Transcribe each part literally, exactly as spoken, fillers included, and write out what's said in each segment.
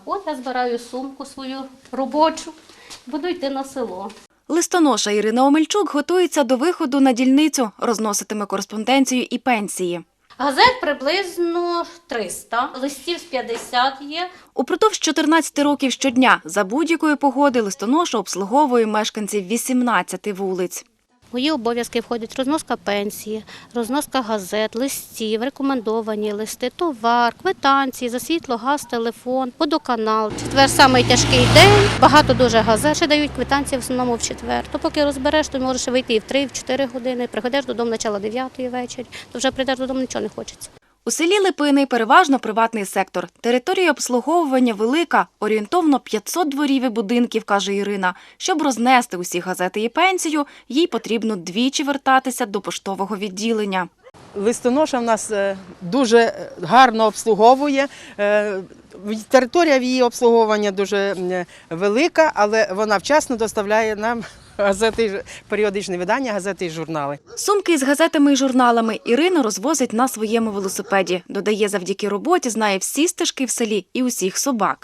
От я збираю сумку свою робочу, буду йти на село. Листоноша Ірина Омельчук готується до виходу на дільницю, розноситиме кореспонденцію і пенсії. Газет приблизно триста, листів з п'ятдесят є. Упродовж чотирнадцяти років щодня за будь-якої погоди листоноша обслуговує мешканців вісімнадцяти вулиць. В мої обов'язки входять розноска пенсії, розноска газет, листів, рекомендовані листи, товар, квитанції за світло, газ, телефон, водоканал. Четвер – самий тяжкий день, багато дуже газет, ще дають квитанції в основному в четвер. То поки розбереш, то можеш вийти і в три, і в чотири години, приходиш додому начало дев'ятої вечора, то вже прийдеш додому, нічого не хочеться. У селі Липини переважно приватний сектор. Територія обслуговування велика, орієнтовно п'ятсот дворів і будинків, каже Ірина. Щоб рознести усі газети і пенсію, їй потрібно двічі вертатися до поштового відділення. Листоноша в нас дуже гарно обслуговує. Територія в її обслуговування дуже велика, але вона вчасно доставляє нам газети, періодичні видання, газети і журнали. Сумки із газетами і журналами Ірина розвозить на своєму велосипеді. Додає, завдяки роботі знає всі стежки в селі і усіх собак.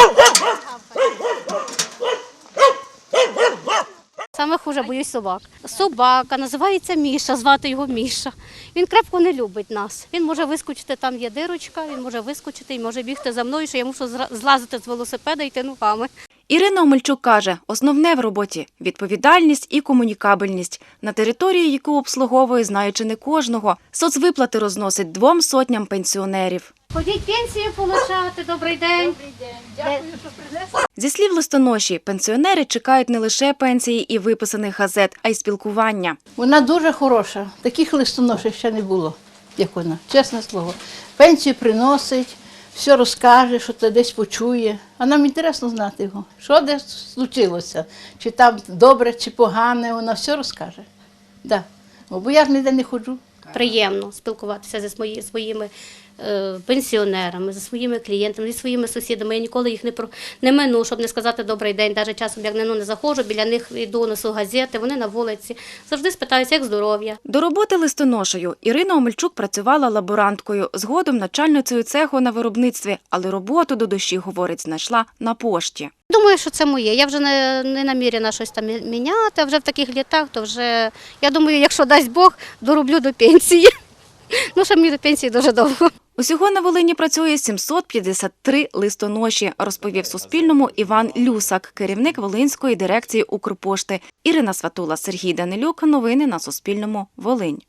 Саме хуже боюсь собак. Собака, називається Міша, звати його Міша. Він крепко не любить нас. Він може вискочити, там є дирочка, він може вискочити і може бігти за мною, що я мушу злазити з велосипеда і йти ногами. Ірина Омельчук каже, основне в роботі – відповідальність і комунікабельність. На території, яку обслуговує, знаючи не кожного, соцвиплати розносить двом сотням пенсіонерів. Ходіть пенсію получати, добрий день. Добрий день, дякую, що принесли. Зі слів листоноші, пенсіонери чекають не лише пенсії і виписаних газет, а й спілкування. Вона дуже хороша, таких листоношів ще не було, як вона, чесне слово. Пенсію приносить, все розкаже, що ти десь почує. А нам інтересно знати його, що десь случилося, чи там добре, чи погане, вона все розкаже. Да. Бо я ж ніде не ходжу. Приємно спілкуватися зі свої, своїми е, пенсіонерами, зі своїми клієнтами, зі своїми сусідами. Я ніколи їх не, про, не мину, щоб не сказати добрий день. Навіть часом, як не, ну, не заходжу, біля них йду, несу газети, вони на вулиці. Завжди спитаюся, як здоров'я. До роботи листоношею Ірина Омельчук працювала лаборанткою, згодом начальницею цеху на виробництві, але роботу до душі, говорить, знайшла на пошті. Думаю, що це моє. Я вже не, не намірена щось там міняти, а вже в таких літах, то вже, я думаю, якщо дасть Бог, дороблю до пенсії. Ну, що мені до пенсії дуже довго. Усього на Волині працює сімсот п'ятдесят три листоноші, розповів Суспільному Іван Люсак, керівник Волинської дирекції Укрпошти. Ірина Сватула, Сергій Данилюк. Новини на Суспільному. Волинь.